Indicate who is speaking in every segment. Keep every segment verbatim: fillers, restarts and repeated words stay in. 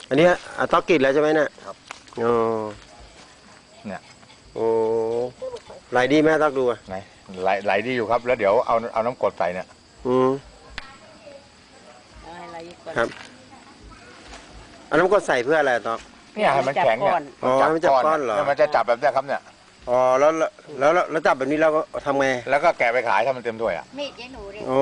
Speaker 1: อันนี้อะตอกกิดแล้วใช่ไหมเนี่ย
Speaker 2: ครับ
Speaker 1: อ๋อ
Speaker 2: เนี่ย
Speaker 1: โอ้ไหลดีไหมตอกดูอ่ะ
Speaker 2: ไหนไหลไหลดีอยู่ครับแล้วเดี๋ยวเอาเอาน้ำกรดใส่เนี่ย
Speaker 1: อืมครับเอาน้ำกรดใส่เพื่ออะไรตอก
Speaker 2: เนี่ยให้มันแข็งเนี่ย
Speaker 1: อ๋อมันจับก้อนเหรอ
Speaker 2: มันจะจับแบบนี้ครับเนี่ย
Speaker 1: อ๋อแล้วแล้วแล้วจับแบบนี้เราก็ทำไง
Speaker 2: แล้วก็แกะไปขายถ้ามันเต็มถ้วยอ่ะ
Speaker 3: มีดยายหนูเลย
Speaker 1: อ๋อ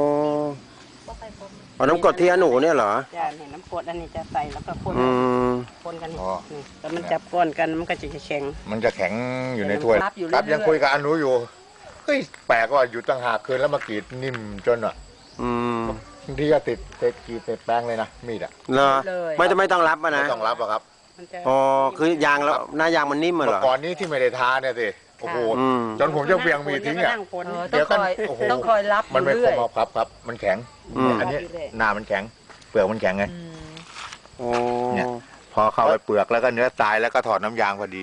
Speaker 1: เอาน้ำกรดที่หนูเนี่ยเหรอ
Speaker 4: จะเห็นน้ำกรดอันนี้จะใส่แล้วก็คนคนกันนี่แล้วมันจับก้อนกันมันก็จะแข็ง
Speaker 2: มันจะแข็งอยู่ในถ้วยครับยังคุยกับอนุอยู่เฮ้ยแปลกว่าอยู่ตั้งหากคืนแล้วมากรีดนิ่มจนอ่ะ
Speaker 1: อืม
Speaker 2: บางทีก็ติดติดกรีดติดแป้งเลยนะมีดอ่ะ
Speaker 1: เหรอไม่จะไม่ต้องรับอ่ะนะ
Speaker 2: ไม่ต้องรับหรอกครับ
Speaker 1: อ๋อคือยางแล้วหน้ายางมันนิ่มเหรอ
Speaker 2: ก่อนนี้ที่ไม่ได้ทาเนี่ยสิโอ้โหจนผมจะเบี่ยงมีทิ้งอ่ะ
Speaker 4: เดี๋ยวกันต้องคอยรับ
Speaker 2: มันไม่คมเอาครับครับมันแข็งอันนี้หน้ามันแข็งเปลือกมันแข็งไงเนี่ยพอเข้าไปเปลือกแล้วก็เนื้อตายแล้วก็ถอดน้ำยางพอดี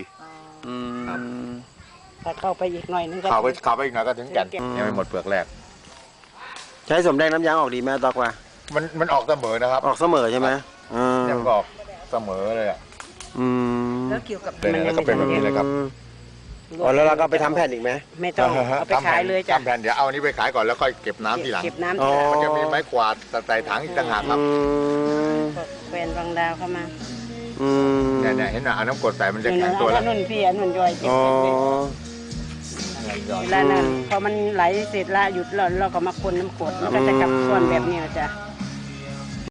Speaker 4: ถ้าเข้าไปอีกหน่อยนึงก็
Speaker 2: เข้าไปเข้าไปอีกหน่อยก็ถึงแก่นยังไม่หมดเปลือกแรก
Speaker 1: ใช้สมแดงน้ำยางออกดีไหมตอกว่า
Speaker 2: มันมันออกเสมอนะครับ
Speaker 1: ออกเสมอใช่ไหม
Speaker 2: ยังออกเสมอเลยอ่ะ
Speaker 4: แล้วเกี่ยวกับ
Speaker 2: มันแล้วก็เป็นแบบนี้เลยครับ
Speaker 1: อ๋อแล้วเราก็ไปทำแผ่นอีกไหม
Speaker 4: ไม่ต้องเอาไปขายเลยจ้ะ
Speaker 2: ทำแผ่นเดี๋ยวเอานี้ไปขายก่อนแล้วค่อยเก็บน้ำทีหลัง
Speaker 4: เก็บน้ำทีหลัง
Speaker 2: มันจะมีไม้กวาดใส่ถังอีกต่างหากครับ
Speaker 4: แฟนบางดาวเข้ามา
Speaker 2: เนี่ยเนี่ยเห็นไหมเอาน้ำกรดใส่มันจะแข็งตัวแล้ว
Speaker 4: นุ่นพี่อันนุ่นย่อยเก็บเวลานั้นพอมันไหลเสร็จละหยุดแล้วเราก็มาคนน้ำกรดมันก็จะกลับก้อนแบบนี้จ้ะ